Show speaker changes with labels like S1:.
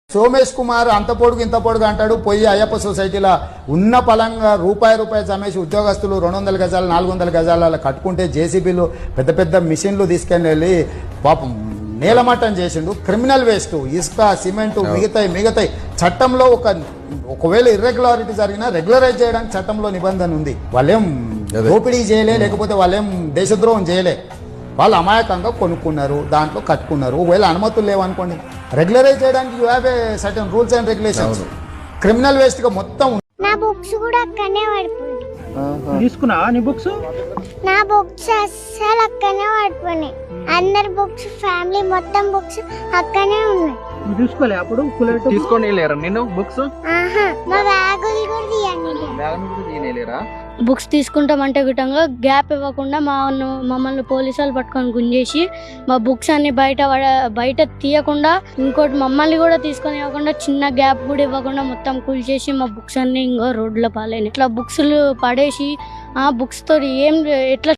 S1: సోమేష్ కుమార్ అంత పొడుగు ఇంత పొడుగు అంటాడు. పోయి అయ్యప్ప సొసైటీలో ఉన్న పలంగా రూపాయి చమేసి ఉద్యోగస్తులు 200 గజాలు 400 గజాల కట్టుకుంటే జేసీబీలు పెద్ద పెద్ద మిషన్లు తీసుకెళ్ళి పాపం నేలమట్టం చేసిండు. క్రిమినల్ వేస్ట్, ఇసుక, సిమెంటు, మిగతాయి చట్టంలో ఒకవేళ ఇర్రెగ్యులారిటీ జరిగినా రెగ్యులరైజ్ చేయడానికి చట్టంలో నిబంధన ఉంది. వాళ్ళేం దోపిడీ చేయలే, లేకపోతే వాళ్ళేం దేశద్రోహం చేయలే. వాళ్ళు అమాయకంగా కొనుక్కున్నారు, దాంట్లో కట్టుకున్నారు. ఒకవేళ అనుమతులు లేవనుకోండి, రెగ్యులరైజ్ చేయడానికి you have a certain rules and regulations. Criminal waste గా మొత్తం.
S2: నా బుక్స్ కూడా అక్కడనే పడిపోయి
S3: తీసుకున్నా. నీ బుక్స్?
S2: నా బుక్స్ అస్సలు అక్కడనే పడిపోయినాయి. అందరి బుక్స్, ఫ్యామిలీ మొత్తం బుక్స్ అక్కడనే ఉన్నాయి.
S3: నువ్వు తీసుకోలే అప్పుడు? తీసుకొని లేరా నేను బుక్స్?
S2: మా బ్యాగులు కూడా
S3: తీయలేరా?
S4: బుక్స్ తీసుకుంటామంటే విధంగా గ్యాప్ ఇవ్వకుండా మమ్మల్ని పోలీసు వాళ్ళు పట్టుకొని గుంజేసి మా బుక్స్ అన్ని బయట తీయకుండా, ఇంకోటి మమ్మల్ని కూడా తీసుకొని ఇవ్వకుండా, చిన్న గ్యాప్ కూడా ఇవ్వకుండా మొత్తం కూల్చేసి మా బుక్స్ అన్ని ఇంకో రోడ్ల పాలైన. ఇట్లా బుక్స్లు పడేసి ఆ బుక్స్ తోటి ఏం ఎట్లా